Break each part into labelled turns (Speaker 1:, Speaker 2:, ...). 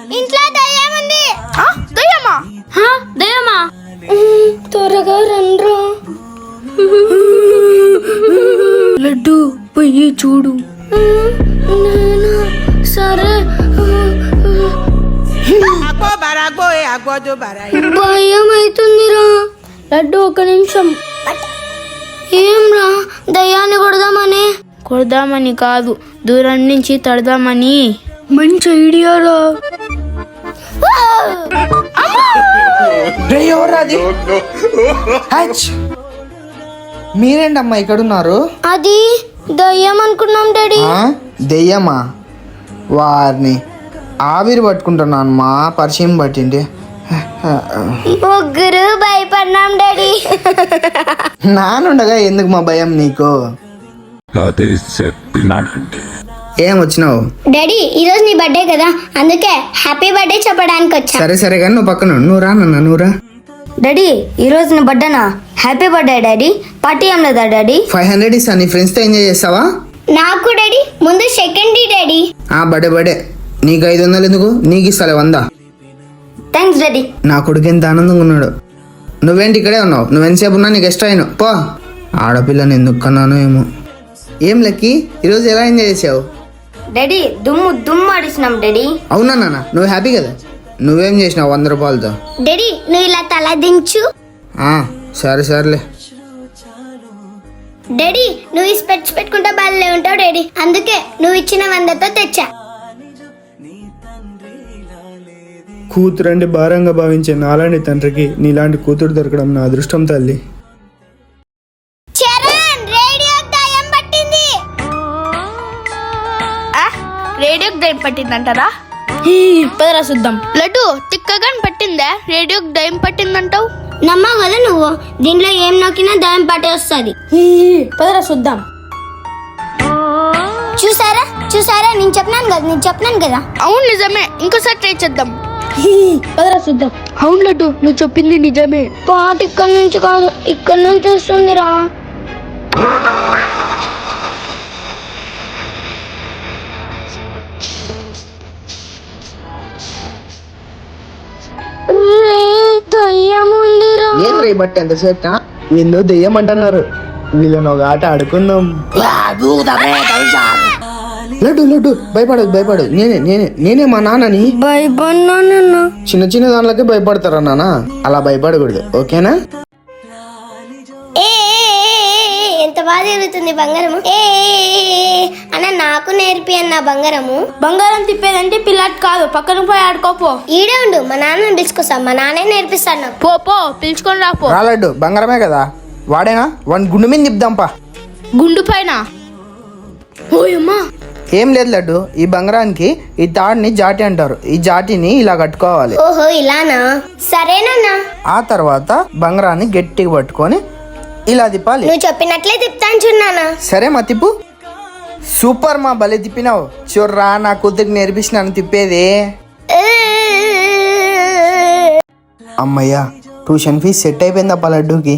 Speaker 1: ఇంట్లో దయ్యం ఉంది.
Speaker 2: దయ్యమా? దయ్యమా?
Speaker 1: త్వరగా రండ్రా.
Speaker 2: లడ్డు పోయి చూడు.
Speaker 1: సరే. భయం అవుతుందిరా.
Speaker 2: లడ్డు ఒక నిమిషం.
Speaker 1: ఏంరా దయ్యాన్ని
Speaker 2: కొడదామని కాదు, దూరం నుంచి తడదామని. మంచి ఐడియా రా.
Speaker 3: మీరేంటమ్మా ఇక్కడ ఉన్నారు?
Speaker 1: అది దయ్యం అనుకున్నాం డాడీ.
Speaker 3: దెయ్యమా? వారిని ఆవిరి పట్టుకుంటున్నాను మా పరిచయం పట్టింది.
Speaker 1: ముగ్గురు భయపడినాం డాడీ.
Speaker 3: నానుండగా ఎందుకు మా భయం నీకు? ఏం వచ్చినావు?
Speaker 1: డాడీ ఈరోజు నీ బర్త్డే కదా, అందుకే హ్యాపీ బర్త్డే చెప్పడానికి వచ్చా.
Speaker 3: సరే సరే కానీ నువ్వు పక్కన నువ్వు రా నాన్న, నువ్వు రా.
Speaker 1: డాడీ ఈరోజు నా బర్త్డేనా? Happy birthday daddy. పార్టీ ఏం లేదా డాడీ?
Speaker 3: 500 ఇస్తా, నీ ఫ్రెండ్స్తో ఎంజాయ్ చేస్తావా?
Speaker 1: నాకు డాడీ ముందు సెకండ్ డాడీ.
Speaker 3: బడే నీకు 500 ఎందుకు? నీకు ఇస్తాలే 100.
Speaker 1: Thanks daddy.
Speaker 3: నా కొడుకు ఎంత ఆనందంగా ఉన్నాడు. నువ్వేంటి ఇక్కడే ఉన్నావు? నువ్వు ఎంతసేపు ఉన్నా నీకు ఎక్స్ట్రా అయినా పో. ఆడపిల్లని ఎందుకు కన్నానో ఏమో. ఏం లక్కీ ఈరోజు ఎలా ఎంజాయ్ చేసావు?
Speaker 1: డాడీ దుమ్ము ఆడిస్తున్నాం డాడీ.
Speaker 3: అవునా నాన్న, నువ్వు హ్యాపీ కదా? నువ్వేం చేసినావు 100 రూపాయలతో?
Speaker 1: డాడీ నువ్వు ఇలా తల దించు.
Speaker 3: సరేలే.
Speaker 1: డాడీ నువ్వు ఈ స్పెట్స్ పెట్టుకుంటా బాగాలే ఉంటావు డాడీ, అందుకే నువ్వు ఇచ్చిన 100తో తెచ్చా.
Speaker 4: కూతురండి భారంగా భావించే నాలాంటి తండ్రికి నీలాంటి కూతురు దొరకడం నా అదృష్టం తల్లి.
Speaker 2: రేడియోకి దయ్యం పట్టిందంటారా? పదరా చూద్దాం. లడ్డు తిక్కగా పట్టిందా? రేడియోకి దయ్యం పట్టిందంటావు?
Speaker 1: నమ్మవు కదా నువ్వు. దీంట్లో ఏం నొక్కినా దయ్యం పట్టే వస్తుంది.
Speaker 2: పదరా చూద్దాం.
Speaker 1: చూసారా నేను చెప్పినాను కదా.
Speaker 2: అవును నిజమే, ఇంకోసారి ట్రై చేద్దాం. పదరా చూద్దాం. అవును లడ్డు నువ్వు చెప్పింది నిజమే.
Speaker 1: పాట ఇక్కడ నుంచి కాదు, ఇక్కడ నుంచి వస్తుందిరా.
Speaker 3: ఏం రే బట్టి ఎంతసేపు?
Speaker 4: ఏందో దెయ్యం అంటున్నారు. వీళ్ళని ఒక ఆట ఆడుకుందాం.
Speaker 3: లడ్డు భయపడదు. నేనే మా నాన్నని.
Speaker 1: భయపడినా
Speaker 3: చిన్న దానిలకే భయపడతారా నాన్న? అలా భయపడకూడదు, ఓకేనా?
Speaker 1: ఎంత బాగా జరుగుతుంది బంగారము. అన్న నాకు నేర్పి అన్న బంగారము.
Speaker 2: బంగారం తిప్పేదంటే పిల్లాట్ కాదు, పక్కన పోయి ఆడుకోపో.
Speaker 1: ఈడే ఉండు, మా నాన్న పిలుచుకోసా. మా నాన్నే నేర్పిస్తాను.
Speaker 2: పో పిలుచుకొని రాపో.
Speaker 3: రా లడ్డు, బంగారమే కదా వాడేనా? వాడిని గుండు మీద నింపుదాంపా.
Speaker 2: గుండు పైన? ఓయమ్మా.
Speaker 3: ఏం లేదు లడ్డు, ఈ బంగారానికి ఈ తాడుని జాటి అంటారు. ఈ జాటిని ఇలా కట్టుకోవాలి.
Speaker 1: ఓహో ఇలానా? సరేనన్నా.
Speaker 3: ఆ తర్వాత బంగారాన్ని గట్టిగా పట్టుకొని ఇలా తిప్పాలి.
Speaker 1: నువ్వు చెప్పినట్లే తిప్పుతాను చూడన్నా.
Speaker 3: సరే మా తిప్పు. సూపర్ మా, భలే తిప్పినావు. చూర్రా నా కూతురికి నేర్పించినాను తిప్పేది. అమ్మయ్యా, ట్యూషన్ ఫీజు సెట్ అయిపోయిందప్ప లడ్డూకి.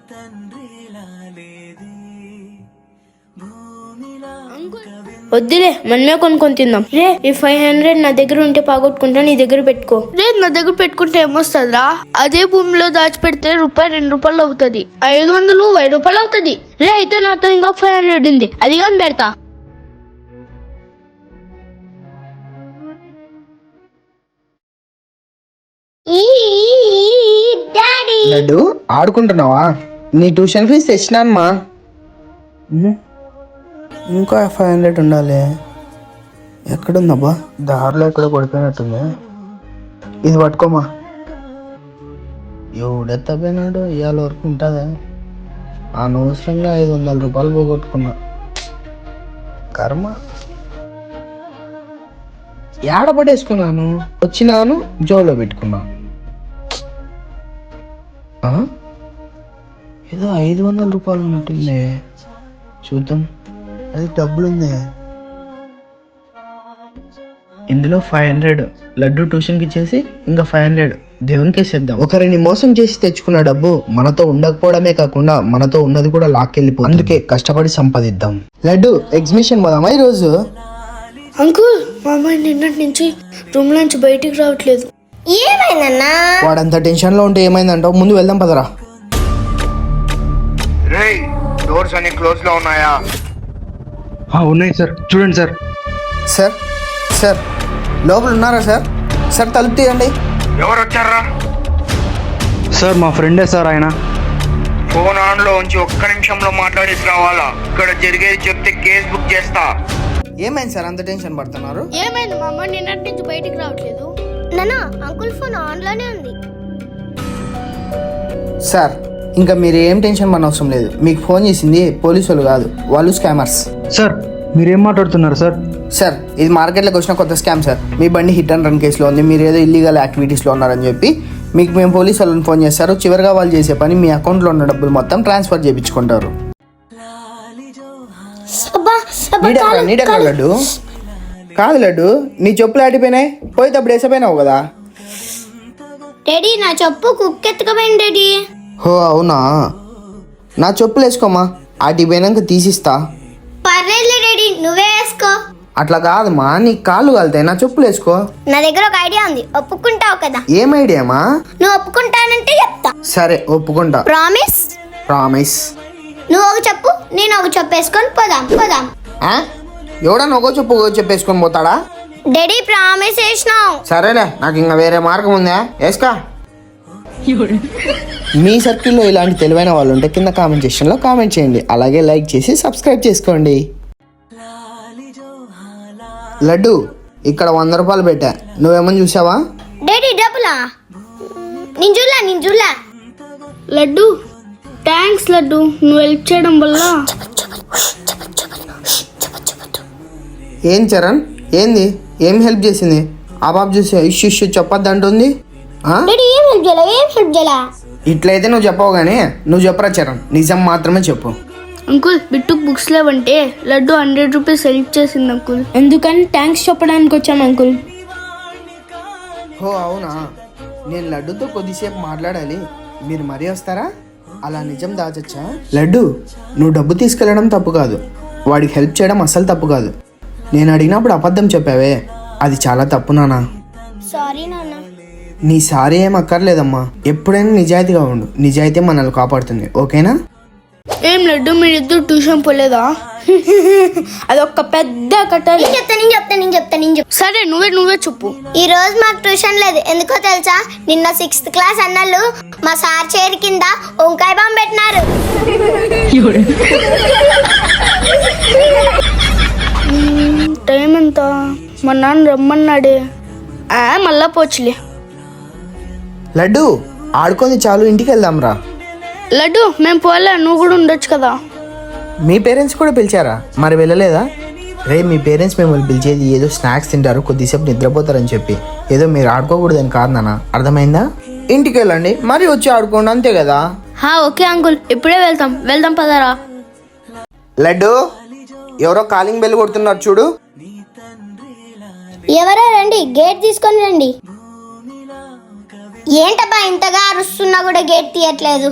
Speaker 2: వద్దులే, మనమే కొనుక్కొని తిందాం. రే ఈ 500 నా దగ్గర ఉంటే పోగొట్టుకుంటా, నీ దగ్గర పెట్టుకో. రే నా దగ్గర పెట్టుకుంటే ఏమొస్తుందిరా? అదే భూమిలో దాచిపెడితే ₹2 అవుతుంది. 500 ₹10 అవుతుంది. రే అయితే నాతో ఇంకా 500 ఉంది, అది కానీ పెడతా.
Speaker 3: లడ్డు ఆడుకుంటున్నావా? నీ ట్యూషన్ ఫీజు తెచ్చినానమ్మా. ఇంకా 500 ఉండాలి. ఎక్కడుందబ్బా? దారిలో ఎక్కడ పడిపోయినట్టుంది. ఇది పట్టుకోమా. ఎవడెత్తపోయినాడు, ఇవాళ వరకు ఉంటుందా? అనవసరంగా ₹500 పోగొట్టుకున్నా. కర్మ. ఏడ పడేసుకున్నాను? వచ్చినాను, జోలో పెట్టుకున్నాను. ఏదో ₹500 ఉన్నట్టుంది. చూద్దాం. అది డబ్బులుంది. ఇందులో 500 లడ్డు ట్యూషన్కి ఇచ్చేసి ఇంకా 500 దేవునికి వేసేద్దాం. ఒకరిని మోసం చేసి తెచ్చుకున్న డబ్బు మనతో ఉండకపోవడమే కాకుండా మనతో ఉన్నది కూడా లాక్కెళ్ళిపో. అందుకే కష్టపడి సంపాదిద్దాం. లడ్డు ఎగ్జిబిషన్ పోదామా ఈరోజు?
Speaker 2: అంకుల్ మా అమ్మాయి నిన్నటి నుంచి రూమ్ నుంచి బయటికి రావట్లేదు.
Speaker 1: ఏమైందన్నా?
Speaker 3: వాడంత టెన్షన్లో ఉంటే ఏమైందంటావు? ముందు వెళ్దాం పదరా.
Speaker 5: రేయ్ డోర్స్ అన్ని క్లోజ్ లో ఉన్నాయా?
Speaker 4: ఉన్నాయి సార్, చూడండి సార్.
Speaker 3: సార్ సార్ లోపల ఉన్నారా సార్? సార్ తలుపు తీయండి.
Speaker 5: ఎవరు వచ్చారా?
Speaker 4: సార్ మా ఫ్రెండే సార్ ఆయన.
Speaker 5: ఫోన్ ఆన్ లో ఉంచి ఒక్క నిమిషంలో మాట్లాడేసి రావాలా? ఇక్కడ జరిగేది చెప్తే కేసు బుక్ చేస్తా.
Speaker 3: ఏమైంది సార్ అంత టెన్షన్ పడుతున్నారు?
Speaker 2: ఏమైంది మా అమ్మాయి నిన్నటి నుంచి బయటికి రావట్లేదు?
Speaker 1: నానా అంకుల్ ఫోన్ ఆన్ లోనే ఉంది.
Speaker 3: సార్ ఇంకా మీరు ఏం టెన్షన్ పడిన అవసరం లేదు. మీకు ఫోన్ చేసింది పోలీసు వాళ్ళు కాదు, వాళ్ళు స్కామర్స్.
Speaker 4: సార్ మీరేం మాట్లాడుతున్నారు సార్?
Speaker 3: సార్ ఇది మార్కెట్లోకి వచ్చిన కొత్త స్కామ్ సార్. మీ బండి హిట్ అండ్ రన్ కేసులో ఉంది, మీరు ఏదో ఇల్లీగల్ యాక్టివిటీస్లో ఉన్నారని చెప్పి మీకు మేము పోలీసు వాళ్ళని ఫోన్ చేస్తారు. చివరిగా వాళ్ళు చేసే పని మీ అకౌంట్లో ఉన్న డబ్బులు మొత్తం ట్రాన్స్ఫర్ చేయించుకుంటారు.
Speaker 1: అబ్బా అబ్బా,
Speaker 3: నీడెక్కడ లడ్డు? కాదు లడ్డు, నీ చెప్పులు ఆడిపోయినాయి, పోయేటప్పుడు వేసపోయినావు కదా.
Speaker 1: డాడీ నా చెప్పు కుక్కెత్తుకపోయింది డాడీ.
Speaker 3: హో అవునా, నా చెప్పులు వేసుకోమా, ఆటిపోయినాక తీసిస్తా.
Speaker 1: పర్లేదు డాడీ నువ్వే వేసుకో.
Speaker 3: అట్లా కాదమ్మా, నీ కాళ్ళు కాలుతాయి, నా చెప్పులు వేసుకో.
Speaker 1: నా దగ్గర ఒక ఐడియా ఉంది, ఒప్పుకుంటావు కదా?
Speaker 3: ఏం ఐడియామా?
Speaker 1: నువ్వు ఒప్పుకుంటానంటే చెప్తా.
Speaker 3: సరే ఒప్పుకుంటా.
Speaker 1: ప్రామిస్?
Speaker 3: ప్రామిస్.
Speaker 1: నువ్వు ఒక చెప్పు నేను ఒక చెప్పు వేసుకొని పోదాం పోదాం.
Speaker 3: ఎవడన్నా ఒక చెప్పు వేసుకొని పోతాడా?
Speaker 1: డాడీ ప్రామిస్ చేసినావు.
Speaker 3: సరేలే, నాకు ఇంకా వేరే మార్గం ఉందా? వేసుకా. మీ సర్కిల్లో ఇలాంటి తెలివైన వాళ్ళు ఉంటే కింద కామెంట్ సెక్షన్లో కామెంట్ చేయండి. అలాగే లైక్ చేసి సబ్స్క్రైబ్ చేసుకోండి. లడ్డు ఇక్కడ 100 రూపాయలు పెట్టా, నువ్వేమని చూసావా?
Speaker 1: డాడీ డబ్బులా? నేను చూడలా.
Speaker 2: లడ్డు థ్యాంక్స్ లడ్డు, నువ్వు హెల్ప్ చేయడం వల్ల.
Speaker 3: ఏం చరణ్, ఏంది ఏం హెల్ప్ చేసింది? ఆ బాబు చూసి ఇష్యూ చెప్పొద్దు అంటుంది.
Speaker 1: డాడీ ఏం హెల్ప్ చేయాలా?
Speaker 3: ఇట్లయితే నువ్వు చెప్పవు కానీ నువ్వు చెప్పరా చరణ్, నిజం మాత్రమే చెప్పు.
Speaker 2: అంకుల్ బిట్టుకు బుక్స్ లేవంటే లడ్డు 100 రూపీస్ హెల్ప్ చేసింది అంకుల్. ఎందుకని థ్యాంక్స్ చెప్పడానికి వచ్చాం అంకుల్.
Speaker 3: ఓ అవునా, నేను లడ్డుతో కొద్దిసేపు మాట్లాడాలి, మీరు మరీ వస్తారా? అలా నిజం దాచచ్చా? లడ్డు నువ్వు డబ్బు తీసుకెళ్ళడం తప్పు కాదు, వాడికి హెల్ప్ చేయడం అస్సలు తప్పు కాదు. నేను అడిగినప్పుడు అబద్ధం చెప్పావే, అది చాలా తప్పు నాన్న.
Speaker 1: సారీ నాన్న.
Speaker 3: నీ సారీ ఏం అక్కర్లేదమ్మా, ఎప్పుడైనా నిజాయితీగా ఉండు, నిజాయితీ మనల్ని కాపాడుతుంది, ఓకేనా?
Speaker 2: ఏం లడ్డు మీరిద్దరు ట్యూషన్ పోలేదా? అదొక పెద్ద కట్టాలి.
Speaker 1: నేను చెప్తా.
Speaker 2: సరే నువ్వే చెప్పు.
Speaker 1: ఈ రోజు మాకు ట్యూషన్ లేదు, ఎందుకో తెలుసా? నిన్న 6th క్లాస్ అన్నలు మా సార్ చైర్ కింద వంకాయ బాంబు పెట్టినారు.
Speaker 2: టైం ఎంత? మా నాన్న రమ్మన్నాడే. మళ్ళా పోచులే.
Speaker 3: లడ్డు ఆడుకొని చాలు, ఇంటికి వెళ్దాం రా.
Speaker 2: లడ్డు మేము పోలే, నువ్వు కూడా ఉండొచ్చు కదా.
Speaker 3: మీ పేరెంట్స్ కూడా పిలిచారా? మరి వెళ్ళలేదా? రే మీ పేరెంట్స్ మిమ్మల్ని పిలిచేది ఏదో స్నాక్స్ తింటారు, కొద్దిసేపు నిద్రపోతారని చెప్పి, ఏదో మీరు ఆడుకోకూడదని కాదు నాన్న, అర్థమైందా? ఇంటికి వెళ్ళండి, మరి వచ్చి ఆడుకోండి, అంతే కదా.
Speaker 2: ఓకే అంకుల్, ఇప్పుడే వెళ్దాం పదారా.
Speaker 3: లడ్డు ఎవరో కాలింగ్ బెల్ కొడుతున్నారు చూడు.
Speaker 1: ఎవరో రండి, గేట్ తీసుకొని రండి. ఏంటబ్బా ఇంతగా అరుస్తున్నా కూడా గేట్ తీయట్లేదు?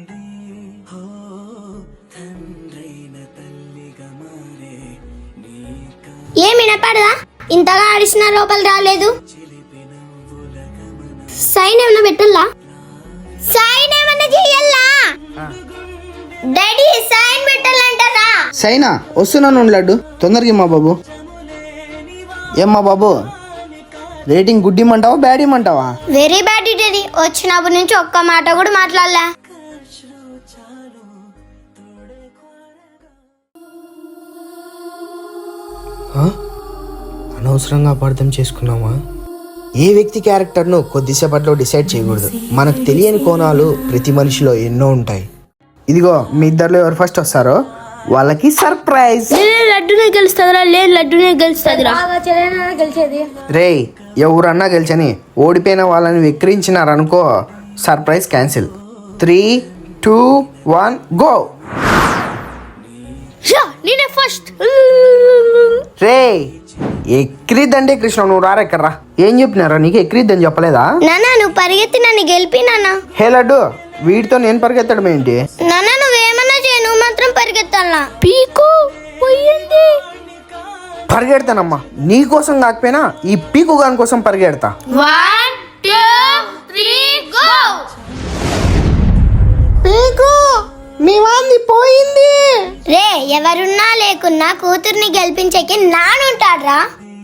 Speaker 1: ఏమి వినపడదా? ఇంతగా అరిసిన లోపల రాలేదు. సైన్ ఏమన్నా పెట్టల్లా? సైన్ ఏమన్నా చెయ్యల్లా? డాడీ సైన్ పెట్టాలంటారా?
Speaker 3: సైనా వస్తున్నాను లడ్డు, తొందరగా మా బాబు. ఏమ్మా బాబు, రేటింగ్ గుడ్ ఇమ్మంటావా బ్యాడ్ ఇమ్మంటావా?
Speaker 1: వెరీ బ్యాడ్ డాడీ, వచ్చినప్పటి నుంచి ఒక్క మాట కూడా మాట్లాడలే.
Speaker 3: అనవసరంగా అపార్థం చేసుకున్నామా? ఏ వ్యక్తి క్యారెక్టర్ను కొద్దిసేపట్లో డిసైడ్ చేయకూడదు. మనకు తెలియని కోణాలు ప్రతి మనిషిలో ఎన్నో ఉంటాయి. ఇదిగో మీ ఇద్దరిలో ఎవరు ఫస్ట్ వస్తారో వాళ్ళకి సర్ప్రైజ్.
Speaker 2: లడ్డునే గెలుస్తుందిరా. లేదు లడ్డునే గెలుస్తుందిరా.
Speaker 3: రేయ్ ఎవరన్నా గెలిచని ఓడిపోయిన వాళ్ళని వెక్కిరించినారనుకో, సర్ప్రైజ్ క్యాన్సిల్. 3, 2, 1 గో.
Speaker 2: నేనే ఫస్ట్.
Speaker 3: రే ఎక్కిరిద్దంటే కృష్ణ, నువ్వు రారా ఇక్కడ రా. ఏం చెప్పినారా నీకు? ఎక్కిరిద్దని చెప్పలేదా?
Speaker 1: నానా నువ్వు పరిగెత్తి నన్ను గెలిపి నాన్న.
Speaker 3: హే లడ్డు, వీటితో నేను పరిగెత్తడం ఏంటి?
Speaker 1: నాన్న నువ్వేమన్నా చేయి, నువ్వు మాత్రం పరిగెత్తాలా?
Speaker 2: పీకు పోయింది.
Speaker 3: పరిగెడతానమ్మా, నీకోసం కాకపోయినా ఈ పీకు గాని కోసం పరిగెడతా.
Speaker 2: 1 2 3 గో.
Speaker 3: పీకు మీ వాంది పోయింది.
Speaker 1: రే ఎవరున్నా లేకున్నా కూతుర్ని గెలిపించేకి నానుంటాడ్రా.